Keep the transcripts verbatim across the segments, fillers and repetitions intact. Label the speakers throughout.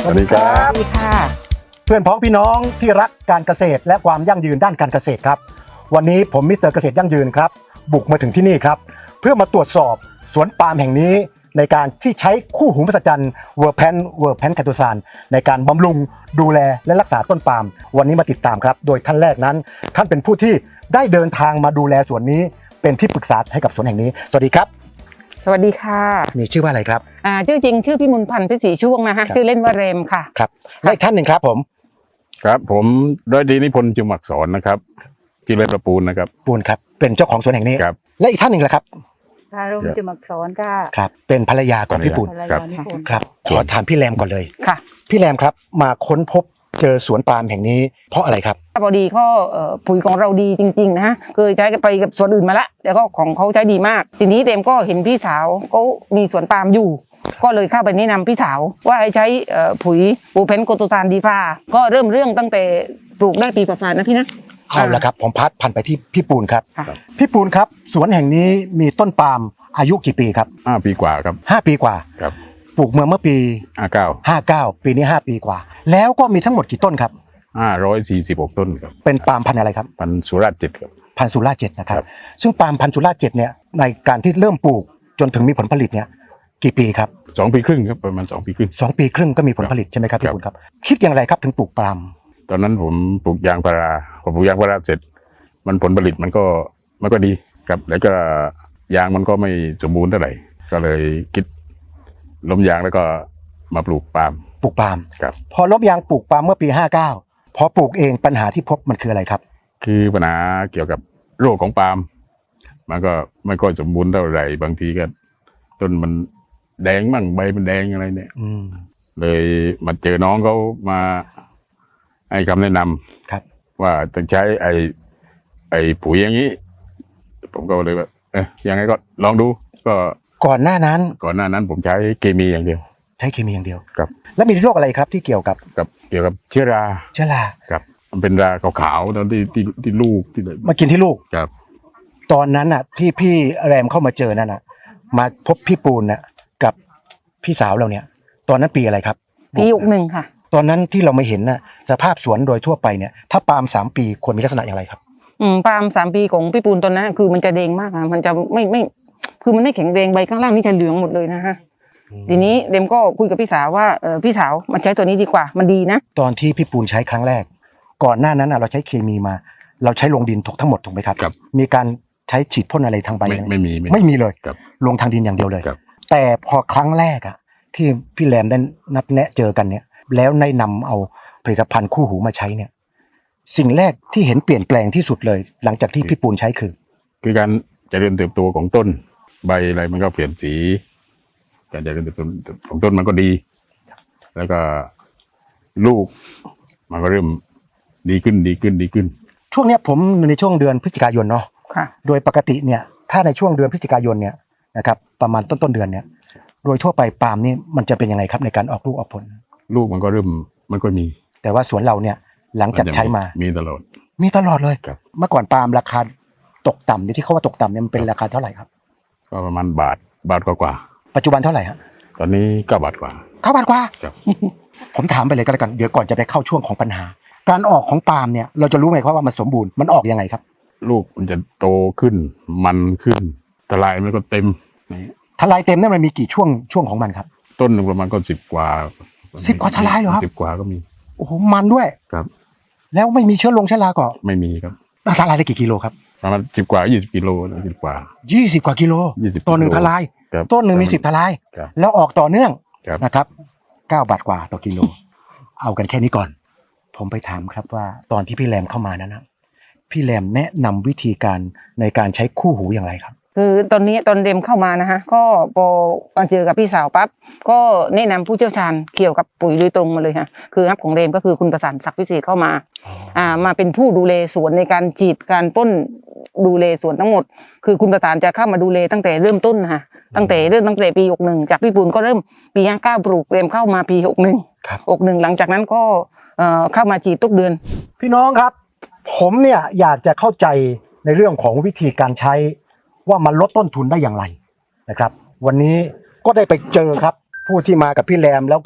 Speaker 1: วัสดีครับ
Speaker 2: สวัสดีค่ะ
Speaker 1: เพื่อนพ้องพี่น้องที่รักการเกษตรและความยั่งยืนด้านการเกษตรครับวันนี้ผมมิสเตอร์เกษตรยั่งยืนครับบุกมาถึงที่นี่ครับเพื่อมาตรวจสอบสวนปาล์มแห่งนี้ในการที่ใช้คู่หูมหัศจรรย์เวอร์แพนเวอร์แพนแคโตซานในการบำรุงดูแลและรักษาต้นปาล์มวันนี้มาติดตามครับโดยท่านแรกนั้นท่านเป็นผู้ที่ได้เดินทางมาดูแลสวนนี้เป็นที่ปรึกษาให้กับสวนแห่งนี้สวัสดีครับ
Speaker 2: สวัสดีค่ะ
Speaker 1: มีชื่อว่าอะไรครับ
Speaker 2: อ่าชื่อจริงชื่อพี่มุนพันธ์พิศรีช่วงนะคะชื่อเล่นว่าเรมค่ะ
Speaker 1: ครับและอีกท่านหนึ่งครับผม
Speaker 3: ครับผมร้อยดีนิพนธ์จุมอักษรนะครับที่เล่นประปูนนะครับ
Speaker 1: ปูนครับเป็นเจ้าของสวนแห่งนี้
Speaker 3: ครับ
Speaker 1: และอีกท่านหนึ่งล่ะครับ
Speaker 4: อารมณ์จุมักษรค่ะ
Speaker 1: ครับเป็นภรรยาของพี่ปูนครับขอถามพี่แรมก่อนเลย
Speaker 2: ค่ะ
Speaker 1: พี่แรมครับมาค้นพบเจอสวนปาล์มแห่งนี้เพราะอะไรครับ
Speaker 2: พอดีก็ปุ๋ยของเราดีจริงๆนะฮะเคยใช้ไปกับสวนอื่นมาแล้วแล้วก็ของเขาใช้ดีมากทีนี้เรมก็เห็นพี่สาวเขามีสวนปาล์มอยู่ก็เลยเข้าไปแนะนำพี่สาวว่าให้ใช้ปุ๋ยปูเพนโกโตซานดีฟาก็เริ่มเรื่องตั้งแต่ปลูกได้ปีกว่าๆนะพี่นะ
Speaker 1: เอาละครับผมพัดพันไปที่พี่ปูนครับพี่ปูนครับสวนแห่งนี้มีต้นปาล์มอายุกี่ปีครับ
Speaker 3: ห้าปีกว่าครับ
Speaker 1: ห้าปีกว่า
Speaker 3: ครับ
Speaker 1: ปลูกเมื่อเมื่อปี
Speaker 3: ห้าเก้า
Speaker 1: ห้าเก้าปีนี้ห้าปีกว่าแล้วก็มีทั้งหมดกี่ต้นครับ
Speaker 3: ห้าร้อยสี่สิบหกต้นครับ
Speaker 1: เป็นปาล์มพันธุ์อะไรครับ
Speaker 3: พันธุ์สุราษฎร์เจ็ดครับ
Speaker 1: พันธุ์สุราษฎร์เจ็ดนะครับซึ่งปาล์มพันธุ์สุราษฎร์เจ็ดเนี่ยในการที่เริ่มปลูกจนถึงมีผลผลิตเนี่ยกี่ปีครับ
Speaker 3: สองปีครึ่งครับประมาณสองปีครึ่ง
Speaker 1: สองปีครึ่งก็มีผลผลิตใช่ไหมครับพี่ปูนครับคิดอย่างไรครับถึงปลูกปาล์ม
Speaker 3: ตอนนั้นผมปลูกยางพาราพอปลูกยางพาราเสร็จมันผลผลิตมันก็มันก็ดีครับแล้วก็ยางมันก็ไม่สมบูรณ์เท่าไหร่ก็เลยคิดล้มยางแล้วก็มาปลูกปาล์ม
Speaker 1: ปลูกปาล์ม
Speaker 3: ครับ
Speaker 1: พอล้มยางปลูกปาล์มเมื่อปีห้าเก้าพอปลูกเองปัญหาที่พบมันคืออะไรครับ
Speaker 3: คือปัญหาเกี่ยวกับโรคของปาล์มมันก็ไม่ค่อยสมบูรณ์เท่าไหร่บางทีก็ต้นมันแดงมั่งใบมันแดงอะไรเนี่ยเลยมาเจอน้องเขามาให้คำแนะนำ
Speaker 1: ครับ
Speaker 3: ว่าต้องใช้ไอ้ไอ้ปุ๋ยอย่างนี้ผมก็เลยว่าเออยังไงก็ลองดูก็
Speaker 1: ก่อนหน้านั้น
Speaker 3: ก่อนหน้านั้นผมใช้เคมีอย่างเดียว
Speaker 1: ใช้เคมีอย่างเดียว
Speaker 3: ครับ
Speaker 1: แล้วมีโรคอะไรครับที่เกี่ยวกับ
Speaker 3: กับเกี่ยวกับเชื้อรา
Speaker 1: เชื้อรา
Speaker 3: ครับมันเป็นราขาวๆตอนที่ที่ที่ลูกที่
Speaker 1: มากินที่ลูก
Speaker 3: ครับ
Speaker 1: ตอนนั้นอ่ะที่พี่แรมเข้ามาเจอนั่นน่ะมาพบพี่ปูนน่ะกับพี่สาวเราเนี่ยตอนนั้นปีอะไรครับ
Speaker 2: ปีหกหนึ่งค่ะ
Speaker 1: ตอนนั้นที่เราไม่เห็นน่ะสภาพสวนโดยทั่วไปเนี่ยถ้าปาล์มสามปีควรมีลักษณะอย่างไรครับ
Speaker 2: อืมปาล์มสามปีของพี่ปูนตอนนั้นคือมันจะแดงมากอ่ะมันจะไม่ไม่คือมันไม่แข็งแรงใบข้างล่างนี่จะเหลืองหมดเลยนะฮะทีนี้เดมก็คุยกับพี่สาวว่าเออพี่สาวมันใช้ตัวนี้ดีกว่ามันดีนะ
Speaker 1: ตอนที่พี่ปูนใช้ครั้งแรกก่อนหน้านั้นเราใช้เคมีมาเราใช้ลงดินถูกทั้งหมดถูกไหมครับมีการใช้ฉีดพ่นอะไรทางใบ
Speaker 3: ไม่ไม่มี
Speaker 1: ไม่มีเลยลงทางดินอย่างเดียวเลยแต่พอครั้งแรกอ่ะที่พี่แรมได้นัดแนะเจอกันเนี่ยแล้วได้นำเอาผลิตภัณฑ์คู่หูมาใช้เนี่ยสิ่งแรกที่เห็นเปลี่ยนแปลงที่สุดเลยหลังจากที่พี่ปูนใช้คือ
Speaker 3: คือการเจริญเติบโตของต้นใบอะไรมันก็เปลี่ยนสีการเจริญเติบโตของต้นมันก็ดีแล้วก็ลูกมันก็เริ่มดีขึ้นดีขึ้นดีขึ้น
Speaker 1: ช่วงนี้ผมในช่วงเดือนพฤศจิกายนเนาะโดยปกติเนี่ยถ้าในช่วงเดือนพฤศจิกายนเนี่ยนะครับประมาณต้นต้นเดือนเนี่ยโดยทั่วไปปาล์มนี่มันจะเป็นยังไงครับในการออกลูกออกผล
Speaker 3: ลูกมันก็เริ่มมันก็มี
Speaker 1: แต่ว่าสวนเราเนี่ยหลังจากใช้มา
Speaker 3: มีตลอด
Speaker 1: มีตลอดเลยเมื่อก่อนปาล์มราคาตกต่ำที่เขาว่าตกต่ำเนี่ยมันเป็นราคาเท่าไหร่ครับ
Speaker 3: ก็ประมาณบาทบาทกว่า
Speaker 1: ปัจจุบันเท่าไหร่ฮะ
Speaker 3: ตอนนี้เก้าบาทกว่า
Speaker 1: เก้าบาทกว่า
Speaker 3: ครับ
Speaker 1: ผมถามไปเลยก็แล้วกันเดี๋ยวก่อนจะไปเข้าช่วงของปัญหาการออกของปาล์มเนี่ยเราจะรู้ไหมครับว่ามันสมบูรณ์มันออกยังไงครับ
Speaker 3: ลูกมันจะโตขึ้นมันขึ้นทลายมันก็เต็ม
Speaker 1: ทลายเต็มนั่นมันมีกี่ช่วงช่วงของมันครับ
Speaker 3: ต้นหนึ่งประมาณก็สิบกว่า
Speaker 1: สิบกว่าทลายเหรอครับ
Speaker 3: สิบกว่าก็มี
Speaker 1: โอ้โหมันด้วย
Speaker 3: ครับ
Speaker 1: แล้วไม่มีเชื้อลงเชื้อราก็
Speaker 3: ไม่มีครับ
Speaker 1: ทลายได้กี่กิโลครับ
Speaker 3: ประมาณสิบกว่ายี่สิบกิโลนะสิบกว่า
Speaker 1: ยี่สิบกว่ากิโลต้นหนึ่งทลายต้นหนึ่งมีสิบทลายแล้วออกต่อเนื่องนะครับเก้าบาทกว่าต่อกิโลเอากันแค่นี้ก่อนผมไปถามครับว่าตอนที่พี่แรมเข้ามานั้นนะพี่แรมแนะนำวิธีการในการใช้คู่หูอย่างไรครับ
Speaker 2: คือตอนนี้ตอนเดมเข้ามานะฮะก็พอมาเจอกับพี่สาวปั๊บก็แนะนำผู้เชี่ยวชาญเกี่ยวกับปุ๋ยโดยตรงมาเลยค่ะคือครับของเดมก็คือคุณประสานศักดิ์วิเศษเข้ามาอ่ามาเป็นผู้ดูแลสวนในการฉีดการพ่นดูแลสวนทั้งหมดคือคุณประสานจะเข้ามาดูแลตั้งแต่เริ่มต้นนะคะตั้งแต่เริ่มตั้งแต่ปีหกหนึ่งจากพี่ปูนก็เริ่มปีห้าเก้าปลูกเดมเข้ามาปีหกหนึ่งหกหนึ่งหลังจากนั้นก็เอ่อเข้ามาฉีดทุกเดือน
Speaker 1: พี่น้องครับผมเนี่ยอยากจะเข้าใจในเรื่องของวิธีการใช้ว่ามันลดต้นทุนได้อย่างไรนะครับวันนี้ก็ได้ไปเจอครับผู้ที่มากับพี่แรมแล้วก็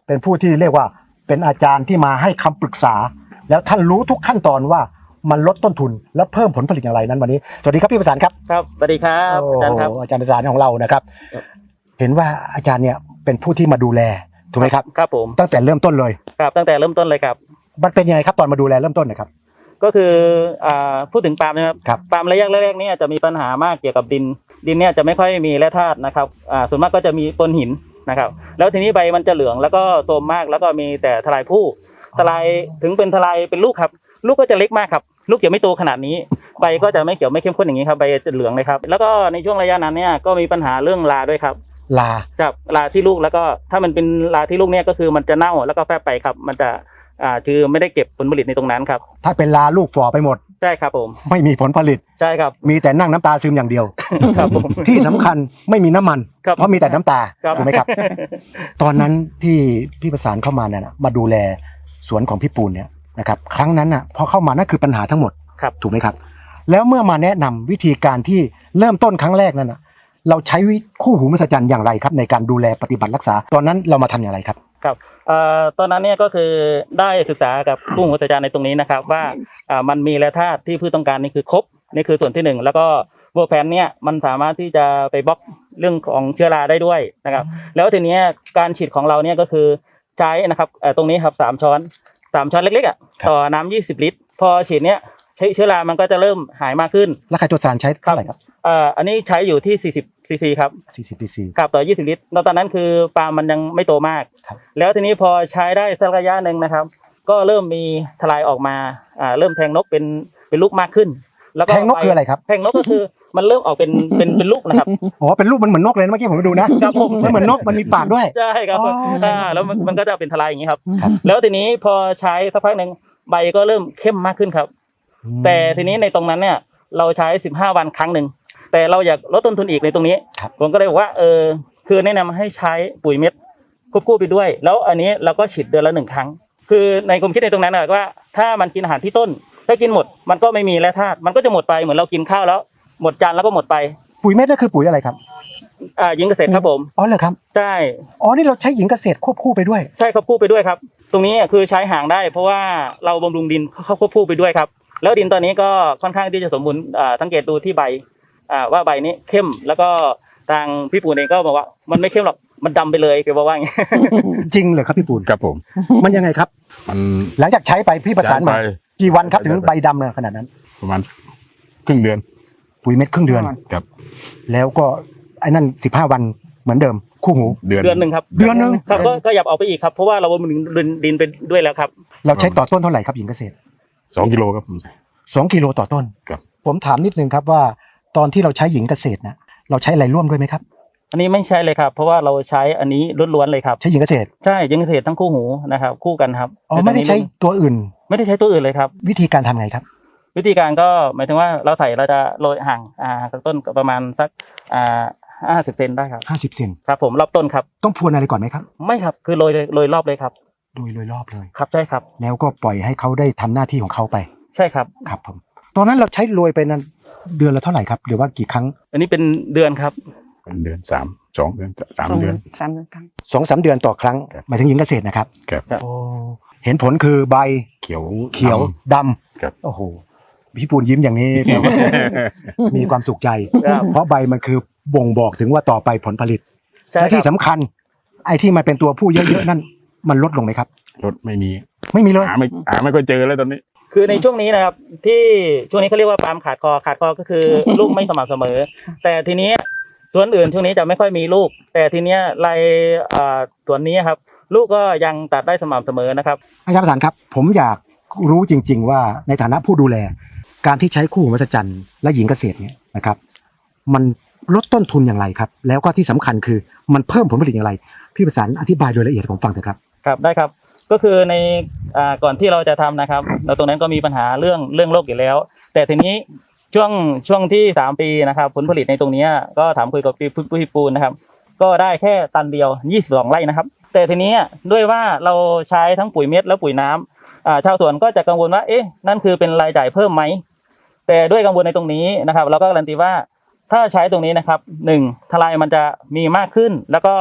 Speaker 1: เป็นผู้ที่เรียกว่าเป็นอาจารย์ที่มาให้คำปรึกษา แล้วท่านรู้ทุกขั้นตอนว่ามันลดต้นทุนและเพิ่มผลผลิตอย่างไรนั้นวันนี้สวัสดีครับพี่ประสานครับ
Speaker 5: ครับสวัสดีครับอาจารย์ครับ
Speaker 1: โอ้อาจารย์ประสานของเรานะครับ
Speaker 5: ครับ
Speaker 1: เห็นว่าอาจารย์เนี่ยเป็นผู้ที่มาดูแลถูกไหมครับ
Speaker 5: ครับผม
Speaker 1: ตั้งแต่เริ่มต้นเลย
Speaker 5: ครับตั้งแต่เริ่มต้นเลยครับ
Speaker 1: มันเป็นยังไงครับตอนมาดูแลเริ่มต้นนะครับ
Speaker 5: ก็คืออ่าพูดถึงปาล์มนะครับ
Speaker 1: ครับ
Speaker 5: ปาล์มระยะแรกๆเนี่ยจะมีปัญหามากเกี่ยวกับดิน ดินเนี่ยจะไม่ค่อยมีแร่ธาตุนะครับอ่าส่วนมากก็จะมีปนหินนะครับ แล้วทีนี้ใบมันจะเหลืองแล้วก็โทรมมากแล้วก็มีแต่ทลายผู้ทลายถึงเป็นทลายเป็นลูกครับ ลูกก็จะเล็กมากครับ ลูกจะไม่โตขนาดนี้ ใบก็จะไม่เขียวไม่เข้มข้นอย่างนี้ครับใบจะเหลืองเลยครับแล้วก็ในช่วงระยะนั้นเนี่ยก็มีปัญหาเรื่องราด้วยครับ
Speaker 1: ลา
Speaker 5: จากราที่ลูกแล้วก็ถ้ามันเป็นราที่ลูกเนี่ยก็คือมันจะเน่าแล้วก็แฟบไปครับ มันจะอ่าคือไม่ได้เก็บผลผลิตในตรงนั้นครับ
Speaker 1: ถ้าเป็นลาลูกฝ่อไปหมด
Speaker 5: ใช่ครับผม
Speaker 1: ไม่มีผลผลิต
Speaker 5: ใช่ครับ
Speaker 1: มีแต่นั่งน้ำตาซึมอย่างเดียว
Speaker 5: ครับผม
Speaker 1: ที่สำคัญไม่มีน้ำมัน
Speaker 5: ครับ
Speaker 1: เพราะมีแต่น้ำตา
Speaker 5: ครับ
Speaker 1: ถูกไหมครับ ตอนนั้นที่พี่ประสานเข้ามาเนี่ยนะมาดูแลสวนของพี่ปูนเนี่ยนะครับครั้งนั้นอ่ะพอเข้ามานั่นคือปัญหาทั้งหมด
Speaker 5: ครับ
Speaker 1: ถูกไหมครับ แล้วเมื่อมาแนะนำวิธีการที่เริ่มต้นครั้งแรกนั่นนะเราใช้วิคู่หูมหัศจรรย์อย่างไรครับ ในการดูแลปฏิบัติรักษา ตอนนั้นเรามาทำอย่างไรครับ
Speaker 5: ครับเอ่อตอนนั้นเนี่ยก็คือได้ศึกษากับผู้หัวอาจารย์ในตรงนี้นะครับว่าอ่ามันมีแร่ธาตุที่พืชต้องการนี่คือครบนี่คือส่วนที่หนึ่งแล้วก็โวแพนเนี่ยมันสามารถที่จะไปบล็อกเรื่องของเชื้อราได้ด้วยนะครับแล้วทีเนี้ยการฉีดของเราเนี่ยก็คือใช้นะครับเอ่อตรงนี้ครับสามช้อนสามช้อนเล็กๆอ่ะ
Speaker 1: ครับ
Speaker 5: ต่อน้ำยี่สิบลิตรพอฉีดเนี้ยใช้เชื้อรามันก็จะเริ่มหายมากขึ้น
Speaker 1: แล้วไคโตซานใช้เท่าไหร่ครับ
Speaker 5: เอ่ออันนี้ใช้อยู่ที่สี่สิบซีซีครับ
Speaker 1: สี่สิบ ซี ซี
Speaker 5: กับต่อยี่สิบลิตรแล้วตอนนั้นคือปาล์มมันยังไม่โตมาก
Speaker 1: ครับ
Speaker 5: แล้วทีนี้พอใช้ได้สักระยะหนึ่งนะครับ ก็เริ่มมีทลายออกมา อ่า เริ่มแทงนกเป็น เป็นลูกมากขึ้น แล้วก็
Speaker 1: แทงนกคืออะไรครับ
Speaker 5: แทงนกก็คือมันเริ่มออกเป็น เป็น เป็นลูกนะครับ
Speaker 1: อ๋อเป็นรูปมันเหมือนนกเลยนะเมื่อกี้ผมไปดูนะครับ
Speaker 5: ผม
Speaker 1: มันเหมือนนกมันมีปากด้วย
Speaker 5: ใช่ครับ
Speaker 1: อ๋ออ่
Speaker 5: อ่าแล้วมันมันก็จะเป็นทลายอย่างนี้ครับ
Speaker 1: ครับ
Speaker 5: แล้วทีนี้พอใช้สักพักหนึ่งใบก็เริ่มเข้มมากขึ้นครับ แต่ทีนี้ในตรงนั้นเนี่ยเราใช้สิบห้าวันครั้งหนึ่งแต่เราอยากลดต้นทุนอีกในตรงนี้
Speaker 1: ครับ
Speaker 5: ผมก็เลยบอกว่าเออคือแนะนำให้ใช้ปุ๋ยเม็ดควบคู่ไปด้วย แล้วอันนี้เราก็ฉีดเดือนละหนึ่งครั้ง คือในความคิดในตรงนั้นนะว่าถ้ามันกินอาหารที่ต้นถ้ากินหมดมันก็ไม่มีแร่ธาตุมันก็จะหมดไปเหมือนเรากินข้าวแล้ว หมดจานแล้วก็หมดไป
Speaker 1: ปุ๋ยเม็ดนั่นคือปุ๋ยอะไรครับ
Speaker 5: อ่ายิงเกษตรครับผม
Speaker 1: อ๋อเหรอครับ
Speaker 5: ใช่
Speaker 1: อ๋อนี่เราใช้หญิงเกษตรควบคู่ไปด้วย
Speaker 5: ใช่ควบคู่ไปด้วยครับ ตรงนี้คือใช้ห่างได้ เพราะว่าเราบำรุงดินเข้าควบคู่ไปด้วยครับ แล้วดินตอนนี้ก็ค่อนข้างที่จะสมบูรณ์อ่าสังเกตดูที่ใบอ่าว่าใบนี้เข้มแล้วก็ทางพี่ปูนเองก็บอกว่ามันไม่เข้มหรอกมันดำไปเลยแกบอกว่าอย่างนี้
Speaker 1: จริงเหรอครับพี่ปูน
Speaker 3: ครับผม
Speaker 1: มันยังไงครับ
Speaker 3: มัน
Speaker 1: หลังจากใช้ไปพี่ประสานมา
Speaker 3: ใช้ไป
Speaker 1: กี่วันครับถึงใบดำเนี่ยขนาดนั้น
Speaker 3: ประมาณครึ่งเดือน
Speaker 1: ปุ๋ยเม็ดครึ่งเดือน
Speaker 3: ครับ
Speaker 1: แล้วก็ไอ้นั่นสิบห้าวันเหมือนเดิม คู่หู
Speaker 3: เดือน
Speaker 5: เดือนหนึ่งครับ
Speaker 1: เดือนหนึ่ง
Speaker 5: ครับก็ก็อยากเอาไปอีกครับเพราะว่าเราบำรุงดินไปด้วยแล้วครับ
Speaker 1: เราใช้ต่อต้นเท่าไหร่ครับหญิงเกษตร
Speaker 3: สองกิโลครับผม
Speaker 1: สองกิโลต่อต้น
Speaker 3: ครับ
Speaker 1: ผมถามนิดนึงครับว่าตอนที่เราใช้หญิงเกษตรนะเราใช้อะไรร่วมด้วยไหมครับ
Speaker 5: อันนี้ไม่ใช่เลยครับ เพราะว่าเราใช้อันนี้ล้วนๆเลยครับ
Speaker 1: ใช้หญิงเกษตร
Speaker 5: ใช่ยิงเกษตรทั้งคู่หูนะครับ คู่กันครับ
Speaker 1: อ๋อไม่ได้ใช้ตัวอื่น
Speaker 5: ไม่ได้ใช้ตัวอื่นเลยครับ
Speaker 1: วิธีการทำไงครับ
Speaker 5: วิธีการก็หมายถึงว่าเราใส่เราจะโรยห่างอ่าจากต้นก็ประมาณสักอ่าห้าสิบเซนได้ครับ
Speaker 1: ห้าสิบเซน
Speaker 5: ครับผมรอบต้นครับ
Speaker 1: ต้องพรวนอะไรก่อนไหมครับ
Speaker 5: ไม่ครับคือโรยโรยรอบเลยครับ
Speaker 1: โดยโดยรอบเลย
Speaker 5: ครับใช่ครับ
Speaker 1: แล้วก็ปล่อยให้เขาได้ทำหน้าที่ของเขาไป
Speaker 5: ใช่ครับ
Speaker 1: ครับผมตอนนั้นเราใช้โรยไปนั้นเดือนละเท่าไหร่ครับหรือว่ากี่ครั้ง
Speaker 5: อันนี้เป็นเดือนครับ
Speaker 3: เป็นเดือนสามสองเดือนสาม
Speaker 2: สอง
Speaker 3: เดือน
Speaker 2: สามเดือนครั้ง
Speaker 1: สองสามเดือนต่อครั้ง
Speaker 3: ครับ
Speaker 1: หมายถึงหญิงเกษตรนะครับ
Speaker 3: ครับ
Speaker 5: ครับ
Speaker 1: โอ้เห็นผลคือใบ
Speaker 3: เขียว
Speaker 1: เขียวดำ
Speaker 3: ครับ
Speaker 1: โอ้โหพี่ปูนยิ้มอย่างนี้ แปลว่า มีความสุขใจ
Speaker 5: ครับ
Speaker 1: เพราะใบมันคือบ่งบอกถึงว่าต่อไปผลผลิต
Speaker 5: ใช่
Speaker 1: และ
Speaker 5: ค
Speaker 1: ที่
Speaker 5: รับ
Speaker 1: สำคัญ ไอ้ที่มันเป็นตัวผู้เยอะๆนั่น มันลดลงไหมครับ
Speaker 3: รถไม่มี
Speaker 1: ไม่มีเลย
Speaker 3: หาไม่หาไม่ค่อยเจอแล้วตอนนี้
Speaker 5: คือในช่วงนี้นะครับ ที่ช่วงนี้เขาเรียกว่าปาล์มขาดคอขาดคอก็คือ ลูกไม่สม่ำเสมอ แต่ทีนี้ส่วนอื่นช่วงนี้จะไม่ค่อยมีลูก แต่ทีเนี้ยรายอ่าส่วนนี้ครับ ลูกก็ยังตัดได้สม่ำเสมอนะครับ
Speaker 1: อาจารย์ประสานครับ ผมอยากรู้จริง ๆ ว่าในฐานะผู้ดูแล การที่ใช้คู่หูมหัศจรรย์และหญิงเกษตรเนี่ยนะครับ มันลดต้นทุนอย่างไรครับ แล้วก็ที่สำคัญคือมันเพิ่มผลผลิตอย่างไร พี่ประสานอธิบายโดยละเอียดให้ผมฟังเถอะครับ
Speaker 5: ครับได้ครับก็คือในอ่าก่อนที่เราจะทำนะครับเราตรงนั้นก็มีปัญหาเรื่องเรื่องโรคอยู่แล้ว แต่ทีนี้ช่วงช่วงที่สามปีนะครับผลผลิตในตรงนี้ก็ถามคุยกับพี่พี่ปูนนะครับ ก็ได้แค่ตันเดียวยี่สิบสองไร่นะครับ แต่ทีนี้ด้วยว่าเราใช้ทั้งปุ๋ยเม็ดและปุ๋ยน้ำอ่าชาวสวนก็จะกังวลว่าเอ๊ะนั่นคือเป็นรายจ่ายเพิ่มไหมแต่ด้วยกังวลในตรงนี้นะครับ เราก็การันตีว่าถ้าใช้ตรงนี้นะครับหนึ่งทลายมันจะมีมากขึ้น แล้วก็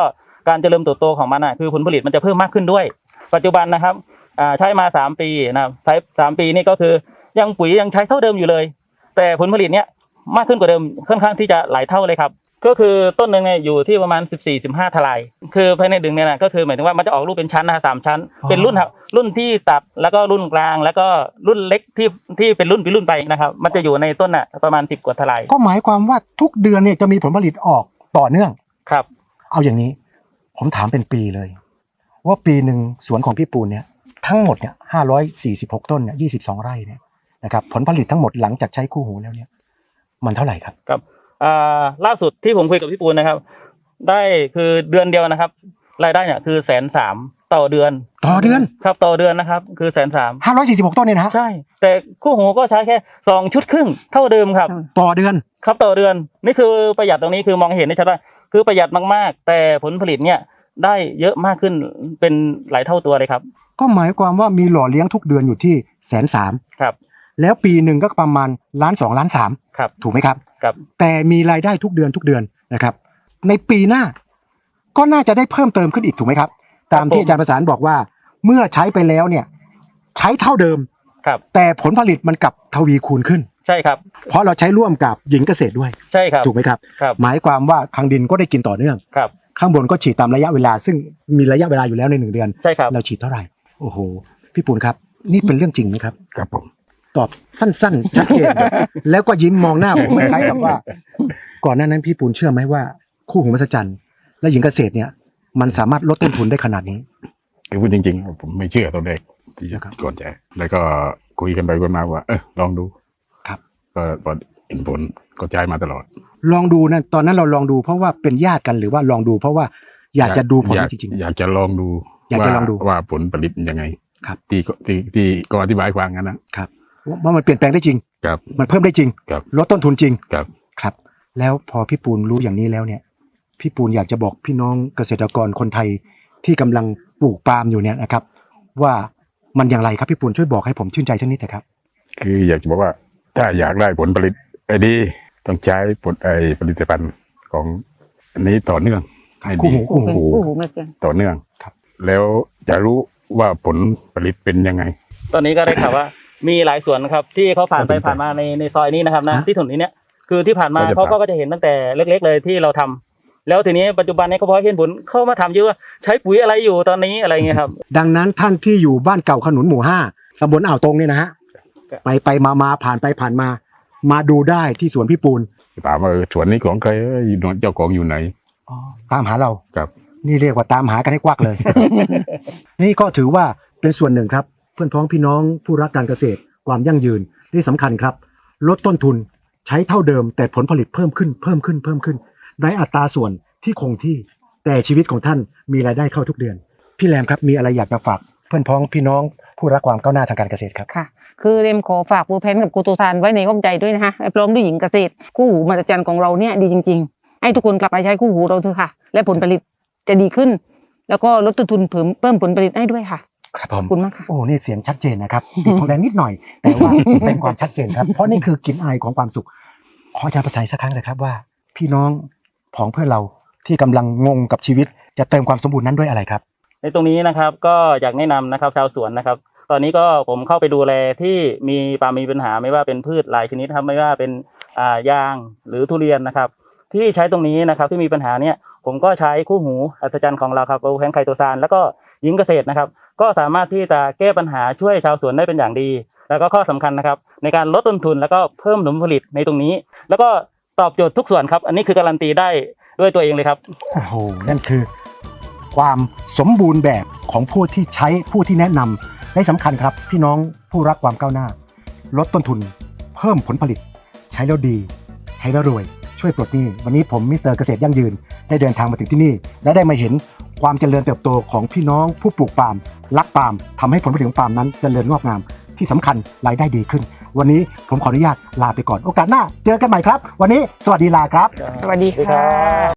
Speaker 5: การเจริญเติบโตของมันอ่ะคือผลผลิตมันจะเพิ่มมากขึ้นด้วยปัจจุบันนะครับอ่าใช้มาสามปีนะครับใช้สามปีนี่ก็คือยังปุ๋ยยังใช้เท่าเดิมอยู่เลยแต่ผลผลิตเนี้ยมากขึ้นกว่าเดิมค่อนข้างที่จะหลายเท่าเลยครับก็คือต้นหนึ่งเนี่ยอยู่ที่ประมาณสิบสี่ สิบห้าทลายคือภายในดึงเนี่ยนะก็คือหมายถึงว่ามันจะออกลูกเป็นชั้นนะสามชั้นเป็นรุ่นครับรุ่นที่ตัดแล้วก็รุ่นกลางแล้วก็รุ่นเล็กที่ที่เป็นรุ่นเป็นรุ่นไปนะครับมันจะอยู่ในต้นน่ะประมาณสิบกว่าทลาย
Speaker 1: ก็หมายความว่าทุกเดือนเนี่ยจะมีผลผลิตออกต่อเนื่อง
Speaker 5: ครับ
Speaker 1: เอาอย่างนี้ผมถามเป็นปีเลยว่าปีหนึ่งสวนของพี่ปูนเนี่ยทั้งหมดเนี่ยห้าร้อยสี่สิบหกต้นเนี่ยยี่สิบสองไร่เนี่ยนะครับผลผลิตทั้งหมดหลังจากใช้คู่หูแล้วเนี่ยมันเท่าไหร่ครับ
Speaker 5: ครับอ่าล่าสุดที่ผมคุยกับพี่ปูนนะครับได้คือเดือนเดียวนะครับรายได้เนี่ยคือแสนสามต่อเดือน
Speaker 1: ต่อเดือน
Speaker 5: ครับต่อเดือนนะครับคือแสนสาม
Speaker 1: ห้าร้อยสี่สิบหกต้นเนี่ยนะ
Speaker 5: ใช่แต่คู่หูก็ใช้แค่สองชุดครึ่งเท่าเดิมครับ
Speaker 1: ต่อเดือน
Speaker 5: ครับต่อเดือนนี่คือประหยัดตรงนี้คือมองเห็นได้ชัดว่าคือประหยัดมากๆแต่ผลผลิตเนี่ยได้เยอะมากขึ้นเป็นหลายเท่าตัวเลยครับ
Speaker 1: ก็หมายความว่ามีหล่อเลี้ยงทุกเดือนอยู่ที่แสนสาม
Speaker 5: ครับ
Speaker 1: แล้วปีหนึ่งก็ประมาณล้านสองล้านสาม
Speaker 5: ครับ
Speaker 1: ถูกไหมครับ
Speaker 5: ครับ
Speaker 1: แต่มีรายได้ทุกเดือนทุกเดือนนะครับในปีหน้าก็น่าจะได้เพิ่มเติมขึ้นอีกถูกไหมครับตามที่อาจารย์ประสานบอกว่าเมื่อใช้ไปแล้วเนี่ยใช้เท่าเดิม
Speaker 5: ครับ
Speaker 1: แต่ผลผลิตมันกลับทวีคูณขึ้น
Speaker 5: ใช่ครับ
Speaker 1: เพราะเราใช้ร่วมกับหญิงเกษตรด้วย
Speaker 5: ใช่ครับ
Speaker 1: ถูกไหมครับหมายความว่าทางดินก็ได้กินต่อเนื่อง
Speaker 5: ครับ
Speaker 1: ข้างบนก็ฉีดตามระยะเวลาซึ่งมีระยะเวลาอยู่แล้วในหนึ่งเดือน
Speaker 5: ใช่ครับ
Speaker 1: เราฉีดเท่าไหร่โอ้โหพี่ปูนครับนี่เป็นเรื่องจริงไหมครับ
Speaker 3: ครับผม
Speaker 1: ตอบสั้นๆชัดเจน แล้วก็ยิ้มมองหน้าผมคล้ายกับว่าก่อนหน้านั้นพี่ปูนเชื่อไหมว่าคู่หูมหัศจรรย์และหญิงเกษตรเนี่ยมันสามารถลดต้นทุนได้ขนาดนี้
Speaker 3: คือพูดจริงๆผมไม่เชื่อตอนแรกที่ก่อนใจแล้วก็คุยกันไปกันมาว่าเออลองดู
Speaker 1: ครับ
Speaker 3: ก็พอเห็นผลก็ใช้มาตลอด
Speaker 1: ลองดูนะตอนนั้นเราลองดูเพราะว่าเป็นญาติกันหรือว่าลองดูเพราะว่าอยากจะดูผลจริง
Speaker 3: ๆอยากจะลองดู
Speaker 1: อยากจะลองดู
Speaker 3: ว่าผลผลิตยังไง
Speaker 1: ครับ
Speaker 3: ที่ที่ที่ก็อธิบายฟังกัน
Speaker 1: นะครับว่ามันเปลี่ยนแปลงได้จริง
Speaker 3: ครับ
Speaker 1: มันเพิ่มได้จริง
Speaker 3: ครับ
Speaker 1: ลดต้นทุนจริง
Speaker 3: ครับ
Speaker 1: ครับแล้วพอพี่ปูนรู้อย่างนี้แล้วเนี่ยพี่ปูนอยากจะบอกพี่น้องเกษตรกรคนไทยที่กำลังปลูกปาล์มอยู่เนี่ยนะครับว่ามันอย่างไรครับพี่ปูนช่วยบอกให้ผมชื่นใจสักนิดเถอะครับ
Speaker 3: คืออยากจะบอกว่าถ้าอยากได้ผลผลิตไอ้ดีต้องใช้ผลไอ้ผลิตภัณฑ์ของอันนี้ต่อเนื่องให้ดี
Speaker 1: คู่หูคู่หู
Speaker 3: ต่อเนื่องครับแล้วจะรู้ว่าผลผลิตเป็นยังไง
Speaker 5: ตอนนี้ก็ได้ข่าวว่ามีหลายสวนนะครับที่เขาผ่านไปผ่านมาในในซอยนี้นะครับนะที่ถนนนี้เนี่ยคือที่ผ่านมาเขาก็จะเห็นตั้งแต่เล็กๆเลยที่เราทำแล้วทีนี้ปัจจุบันนี้เขาพอเห็นผลเข้ามาถามเยอะว่าใช้ปุ๋ยอะไรอยู่ตอนนี้อะไรเงี้ยครับ
Speaker 1: ดังนั้นท่านที่อยู่บ้านเก่าขนุนหมู่ห้าตำบลอ่าวตรงเนี่ยนะฮะไปไปมามาผ่านไปผ่านมามาดูได้ที่สวนพี่ปูน
Speaker 3: ถามว่าสวนนี้ของใครเจ้าของอยู่ไหน
Speaker 1: ตามหาเรา
Speaker 3: ครับ
Speaker 1: นี่เรียกว่าตามหากันให้กวักเลย นี่ก็ถือว่าเป็นส่วนหนึ่งครับเพื่อนพ้องพี่น้องผู้รักการเกษตรความยั่งยืนที่สำคัญครับลดต้นทุนใช้เท่าเดิมแต่ผลผลิตเพิ่มขึ้นเพิ่มขึ้นเพิ่มขึ้นในอัตราส่วนที่คงที่แต่ชีวิตของท่านมีรายได้เข้าทุกเดือนพี่แรมครับมีอะไรอยากจะฝากเพื่อนพ้องพี่น้องผู้รักความก้าวหน้าทางการเกษตรครับ
Speaker 2: ค่ะคือเรมขอฝากปูเพนกับกูตูซานไว้ในอ้อมใจด้วยนะคะพร้อมด้วยหญิงเกษตรคู่หูมหัศจรรย์ของเราเนี่ยดีจริงๆให้ทุกคนกลับไปใช้คู่หูเราเถอะค่ะและผลผลิตจะดีขึ้นแล้วก็ลดต้นทุนเพิ่มเพิ่มผลผลิตให้ด้วยค่ะ
Speaker 1: ครับผม
Speaker 2: คุณมากค่ะ
Speaker 1: โอ้นี่เสียงชัดเจนนะครับติดทองแดงนิดหน่อยแต่ว่าเป็นความชัดเจนครับเพราะนี่คือกลิ่นอายของความสุขขออาจารย์ประสานสักครั้งเลยครับว่าพี่น้องของเพื่อนเราที่กำลังงงกับชีวิตจะเติมความสมบูรณ์นั้นด้วยอะไรครับ
Speaker 5: ในตรงนี้นะครับก็อยากแนะนำนะครับชาวสวนนะครับตอนนี้ก็ผมเข้าไปดูแลที่มีปาล์มมีปัญหาไม่ว่าเป็นพืชหลายชนิดครับไม่ว่าเป็นอ่ายางหรือทุเรียนนะครับที่ใช้ตรงนี้นะครับที่มีปัญหาเนี่ยผมก็ใช้คู่หูอัศจรรย์ของเราครับโอแพนไคโตซานแล้วก็หญิงเกษตรนะครับก็สามารถที่จะแก้ปัญหาช่วยชาวสวนได้เป็นอย่างดีแล้วก็ข้อสำคัญนะครับในการลดต้นทุนแล้วก็เพิ่มผลผลิตในตรงนี้แล้วก็ตอบโจทย์ทุกส่วนครับอันนี้คือการันตีได้ด้วยตัวเองเลยครับ
Speaker 1: โอ้โหนั่นคือความสมบูรณ์แบบของผู้ที่ใช้ผู้ที่แนะนำและสำคัญครับพี่น้องผู้รักความก้าวหน้าลดต้นทุนเพิ่มผลผลิตใช้แล้วดีใช้แล้วรวยช่วยปลดหนี้วันนี้ผมมิสเตอร์เกษตรยั่งยืนได้เดินทางมาถึงที่นี่และได้มาเห็นความเจริญเติบโตของพี่น้องผู้ปลูกปาล์มรักปาล์มทำให้ผลผลิตของปาล์มนั้นเจริญงอกงามที่สำคัญรายได้ดีขึ้นวันนี้ผมขออนุญาตลาไปก่อนโอกาสหน้าเจอกันใหม่ครับวันนี้สวัสดีลาครับ
Speaker 2: สวัสดีค่ะ